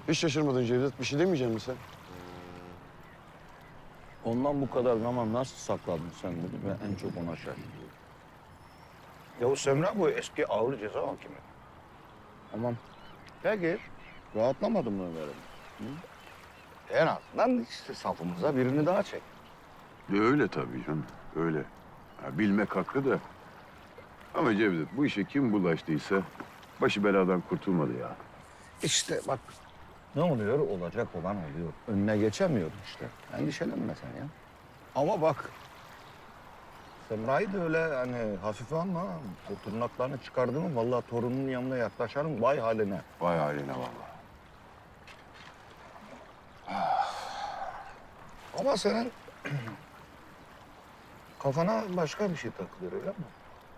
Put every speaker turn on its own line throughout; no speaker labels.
Hiç şaşırmadın Cevdet. Bir şey demeyecek misin sen?
Ondan bu kadar zaman nasıl sakladın sen bunu? Ben en çok ona şaşırıyorum.
Yavuz Semra bu eski ağır ceza hakimi.
Tamam. Peki. Rahatlamadın mı Ömer'im?
En azından işte safımıza birini daha çek.
Öyle tabii canım. Öyle. Bilmek hakkı da. Ama Cevdet bu işe kim bulaştıysa başı beladan kurtulmadı ya.
İşte bak ne oluyor? Olacak olan oluyor. Önüne geçemiyor işte. Endişelenme sen ya. Ama bak Semra'yı da öyle hani hafife alma. O tırnaklarını çıkardı mı vallahi torunun yanına yaklaşarım vay haline.
Vay haline vallahi.
Ama senin kafana başka bir şey takılıyor öyle mi?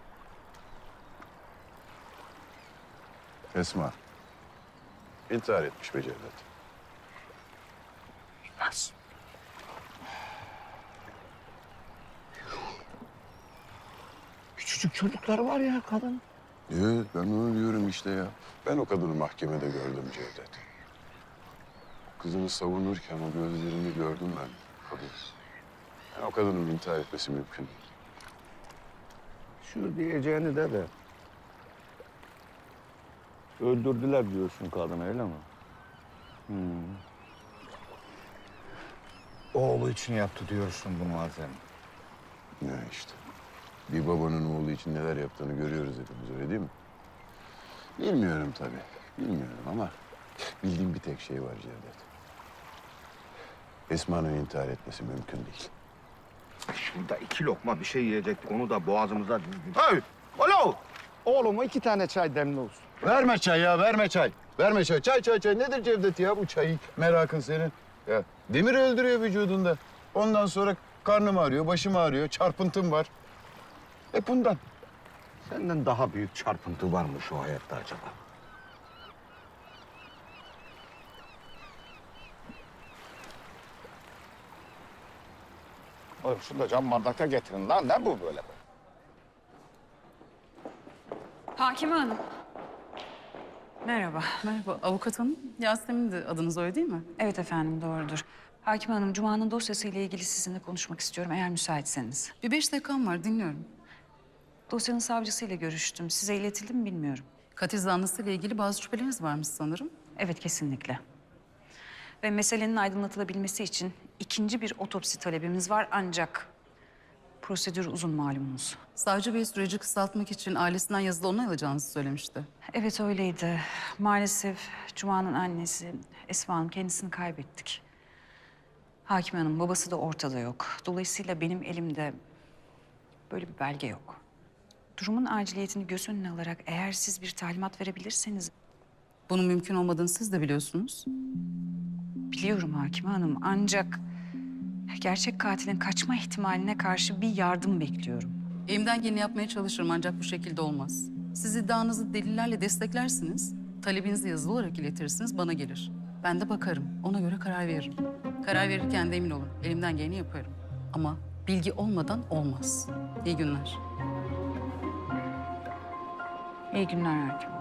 Esma. İntihar etmiş be Cevdet.
Nasıl? Küçücük çocuklar var ya kadın.
Evet ben onu diyorum işte ya. Ben o kadını mahkemede gördüm Cevdet. Kızını savunurken o gözlerini gördüm ben. Kadın. Yani o kadının intihar etmesi mümkün değil.
Şu diyeceğini de.
Öldürdüler diyorsun kadını öyle mi?
Oğlu için yaptı diyorsun bunu Azem.
Ya işte. Bir babanın oğlu için neler yaptığını görüyoruz hepimiz öyle değil mi? Bilmiyorum tabii. Bilmiyorum ama bildiğim bir tek şey var Cevdet. Esma'nın intihar etmesi mümkün değil.
Şurada 2 lokma bir şey yiyecektik. Onu da boğazımıza dizdik. Hey! Alo! Oğluma 2 tane çay demli olsun.
Verme çay ya, verme çay. Verme çay. Çay. Nedir Cevdet ya bu çayı? Merakın senin. Ya demir öldürüyor vücudunda. Ondan sonra karnım ağrıyor, başım ağrıyor, çarpıntım var. Bundan.
Senden daha büyük çarpıntı var mı şu hayatta acaba? Oğlum şunu da cam bardakta getirin lan. Ne bu böyle?
Hakime Hanım. Merhaba.
Merhaba, avukat hanım. Yasemin de adınız öyle değil mi?
Evet efendim, doğrudur. Hakime Hanım, Cuma'nın dosyasıyla ilgili sizinle konuşmak istiyorum eğer müsaitseniz.
Bir 5 dakikam var, dinliyorum.
Dosyanın savcısıyla görüştüm. Size iletildi mi bilmiyorum.
Katil zanlısıyla ilgili bazı şüpheleriniz varmış sanırım.
Evet, kesinlikle. Ve meselenin aydınlatılabilmesi için ikinci bir otopsi talebimiz var ancak prosedür uzun malumunuz.
Savcı Bey süreci kısaltmak için ailesinden yazılı onay alacağınızı söylemişti.
Evet öyleydi. Maalesef Cuma'nın annesi Esma Hanım kendisini kaybettik. Hakime Hanım babası da ortada yok. Dolayısıyla benim elimde böyle bir belge yok. Durumun aciliyetini göz önüne alarak eğer siz bir talimat verebilirseniz...
Bunun mümkün olmadığını siz de biliyorsunuz.
Biliyorum Hakime Hanım ancak gerçek katilin kaçma ihtimaline karşı bir yardım bekliyorum.
Elimden geleni yapmaya çalışırım ancak bu şekilde olmaz. Siz iddianızı delillerle desteklersiniz, talebinizi yazılı olarak iletirsiniz, bana gelir. Ben de bakarım, ona göre karar veririm. Karar verirken de emin olun, elimden geleni yaparım. Ama bilgi olmadan olmaz. İyi günler.
İyi günler Hakime Hanım.